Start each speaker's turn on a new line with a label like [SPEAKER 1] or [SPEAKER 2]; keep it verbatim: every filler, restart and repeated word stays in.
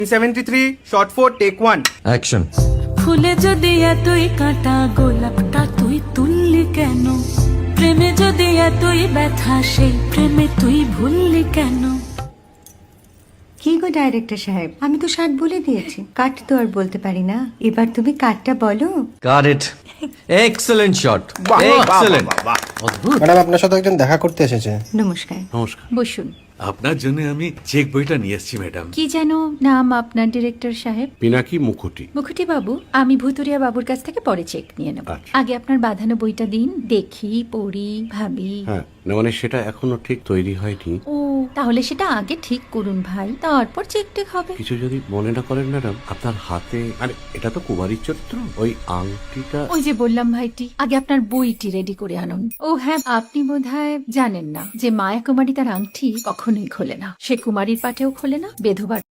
[SPEAKER 1] Seventy three shot four take one
[SPEAKER 2] action.
[SPEAKER 3] ফুলে যদি এতই কাঁটা গোলাপটা তুই তুললি কেন? প্রেমে যদি এতই ব্যথা সেই প্রেমে তুই ভুললি কেন?
[SPEAKER 4] কি গো ডাইরেক্টর সাহেব, আমি তো ষাট বলে দিয়েছি, কাট তো আর বলতে পারি না, এবার তুমি কাটটা বলো।
[SPEAKER 2] Got it. Excellent shot, excellent.
[SPEAKER 5] Madam আপনার সাথে একজন দেখা করতে এসেছে।
[SPEAKER 4] নমস্কার।
[SPEAKER 6] নমস্কার।
[SPEAKER 4] বসুন।
[SPEAKER 6] আপনার জন্য আমি চেক বইটা নিয়ে এসেছি ম্যাডাম।
[SPEAKER 4] কি যেন নাম আপনার ডিরেক্টর সাহেব?
[SPEAKER 6] পিনাকি মুখোটি।
[SPEAKER 4] মুখুটি বাবু, আমি ভুতুরিয়া বাবুর কাছ থেকে পরে চেক নিয়ে নেব।
[SPEAKER 6] আচ্ছা।
[SPEAKER 4] আগে আপনার বাঁধানো বইটা দিন, দেখি, পড়ি, ভাবি।
[SPEAKER 6] হ্যাঁ, না মানে সেটা এখনো ঠিক তৈরি হয়নি।
[SPEAKER 4] ও, তাহলে সেটা আগে ঠিক করুন ভাই, তারপর চেক টেক হবে।
[SPEAKER 6] কিছু যদি মনে না করেন ম্যাডাম, আপনার হাতে মানে এটা তো কুমারীর চরিত্র, ওই আংটিটা।
[SPEAKER 4] ওই যে বললাম ভাইটি, আগে আপনার বইটি রেডি করে আনুন। ও হ্যাঁ, আপনি বোধহয় জানেন না যে মায়া কুমারী তার আংটি কখনোই খোলে না, সে কুমারীর পাটেও খোলে না, বেধবার